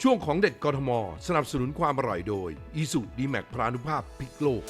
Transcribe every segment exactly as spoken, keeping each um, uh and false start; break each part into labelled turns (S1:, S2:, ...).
S1: ช่วงของเด็ดกทมสนับสนุนความอร่อยโดยอีสุดีแม็กพลานุภาพพลิกโลก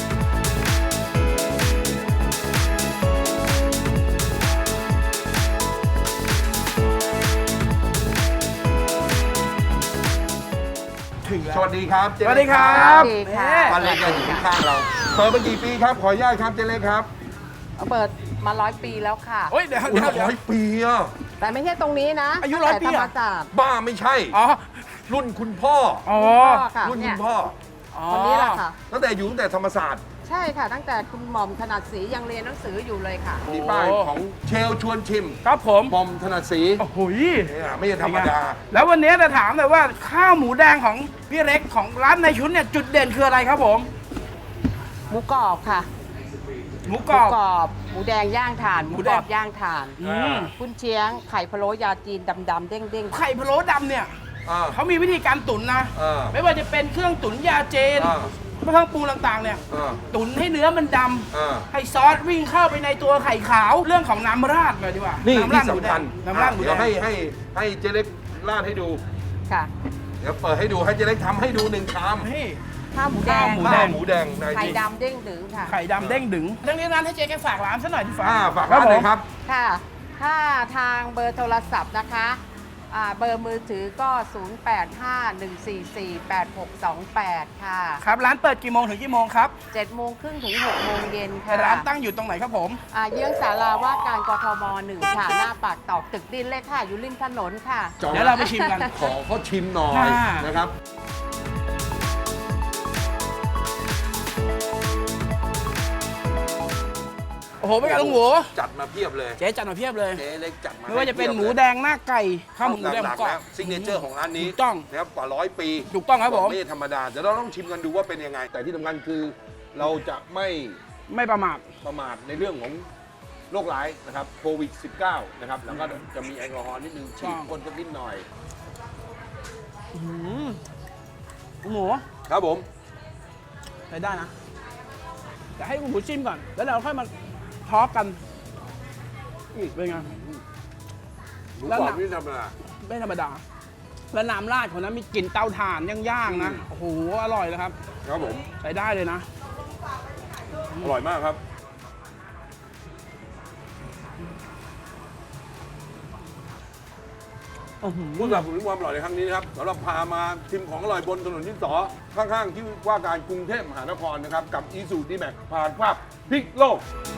S2: สวัสดีครับเจ
S3: สวัสดีครั
S2: ครับ
S3: บ
S4: สวัสดีค่ะ
S2: ป้าเล็กก็อยู่ข้างเราเปิดมากี่ปีครับขออนุญาตครับเจเล็กครับ
S4: เปิดมาร้อยปีแล้วค่ะ
S3: โอ้ยเดี๋ยว
S2: อุ้ย
S3: เดี๋ยวเดี๋ยว
S2: ร้อยปีอ่ะ
S4: แต่ไม่ใช่ตรงนี้นะ
S3: อายุร้อยปี
S4: แต่ธร
S3: เหร
S4: ร
S3: อ
S4: มศาสตร์
S2: บ้าไม่ใช่
S3: อ๋อ
S2: รุ่นคุณพ่อ
S3: อ๋อ
S4: พ่อค่ะ
S2: รุ่น
S4: เนี่
S2: คุ
S4: ย
S2: ณพ่อ
S4: คนนี้แหละค่ะ
S2: ตั้งแต่อยู่ตั้งแต่ธรรมศาสตร์
S4: ใช่ค่ะ ตั้งแต่คุณหม่อมถนัดศรียังเรียนหนังสืออยู่เลยค่ะ
S2: มีป้ายของเชลชวนชิม
S3: ครับผม
S2: บอมถนัดศรี
S3: โอ้โห
S2: เนี่ยไม่ใช่ธรรมดา
S3: แล้ววันนี้จะถามเลยว่าข้าวหมูแดงของพี่เล็กของร้านในชุดเนี่ยจุดเด่นคืออะไรครับผม
S4: หมูกรอบค่ะ
S3: หมู
S4: ห
S3: กร
S4: มู
S3: อบ
S4: กรอบหมูแดงย่างถ่านห
S3: หมู
S4: มู
S3: แด
S4: ก
S3: ง
S4: รอบย่างถ่าน
S3: อืม
S4: กุนเชียงไข่พะโล้ยาจีนดำๆเด้ง
S3: ไข่พะโล้ดำเนี่ย
S2: อ่า
S3: เขามีวิธีการตุ๋นนะ
S2: อ่า
S3: ไม่ว่าจะเป็นเครื่องตุ๋นยาเจน
S2: อ่า
S3: เครื่องปรุงต่างๆเนี่ย
S2: อ่า
S3: ตุ๋นให้เนื้อมันด
S2: อ่า
S3: ำให้ซอสวิ่งเข้าไปในตัวไข่ขาวเรื่องของน้ำราดเลยดีกว่า
S2: นี่
S3: น้ำรา
S2: ที่
S3: ดหมูแด
S2: สำคั
S3: ง
S2: ญ
S3: น้ำราดหมู
S2: เดี๋
S3: แด
S2: ยวให้
S3: ง
S2: ให้ให้เจเล็กราดให้ดู
S4: ๆค่ะ
S2: เดี๋ยวเปิดให้ดูให้เจเล็กทำให้ดูหนึ่งชาม
S3: นี่
S4: ข้าวหมูแด
S3: ข้าว
S4: ง
S3: หมู
S2: ข้าวหมูแดงใน
S4: ไข่
S2: ที่
S4: ดำเด้งดึงค่ะ
S3: ไข่ดำเด้งดึงทั้งนี้นั้นให้เจ๊แกฝากร้านซะหน่อยดีกว่า
S2: อ่าฝากร้านเลยครับ
S4: ค่ะ ถ้าทางเบอร์โทรศัพท์นะคะอ่าเบอร์มือถือก็ ศูนย์ แปด ห้า หนึ่ง สี่ สี่ แปด หก สอง แปด ค่ะ
S3: ครับร้านเปิดกี่โมงถึงกี่โมงครับ
S4: เจ็ดโมงครึ่งถึงหกโมงเย็นค่ะ
S3: ร้านตั้งอยู่ตรงไหนครับผม
S4: อ่าเยื้องศาลาว่าการกทมหนึ่งค่ะ หน้าปากตอกตึกดินเลยค่ะ อยู่ริมถนนค่ะ
S3: เดี๋ยวเราไปชิมกัน
S2: ขอเขาชิมหน่อย
S3: อ่า
S2: นะครับ
S3: โอ้โหไม่กันลุงหมู
S2: จัดมาเพียบเลย
S3: เจ๊จัดมาเพียบเลย
S2: เจ๊เล็กจัดมา
S3: ไม่ว่าจะเป็น
S2: ให้
S3: ห
S2: พี
S3: มู
S2: ยบลย
S3: แดงหน้าไก่ข้าวหมูแดงห
S2: ห
S3: มู
S2: ลัก
S3: กรอ
S2: ๆแล้
S3: บ
S2: วซิกเนเจอร์ของร้านนี้
S3: ถูกต้อง
S2: นะครับกว่าร้อยปี
S3: ถูกต้องครับผม
S2: ไม่ใช่ธรรมดาเดี๋ยวเราต้องชิมกันดูว่าเป็นยังไง แต่ที่สำคัญคือเราจะไม่
S3: ไม่ประมาท
S2: ประมาทในเรื่องของโรคร้ายนะครับโควิด สิบเก้า นะครับแล้วก็จะมีแอลกอฮอล์นิดนึงฉีดพ่นสักนิดหน่อย
S3: อื้อหือลุงหมู
S2: ครับผม
S3: ใช้ได้นะแต่ให้ลุงหมูชิมก่อน แล้วเราค่อยมาทอล์กกันนี่เป็นไง
S2: หมู
S3: แล้ว
S2: กรอบ
S3: หนัก
S2: นี่ธรรมดา
S3: ไม่ธรรมดา แล้วน้ำราดของนั้นมีกลิ่นเตาถ่านย่างๆนะ
S2: อืม
S3: โอ้โหอร่อยเลยครับ
S2: ครับผม
S3: ใช้ได้เลยนะ
S2: อร่อยมากครับผู้สนับสนุนความอร่อยในครั้งนี้นะครับสำหรับพามาชิมของอร่อยบนถนนที่สอข้างๆ ที่ว่าการกรุงเทพมหานครนะครับ กับอีซูดีแม็กผ่านภาพพลิกโลก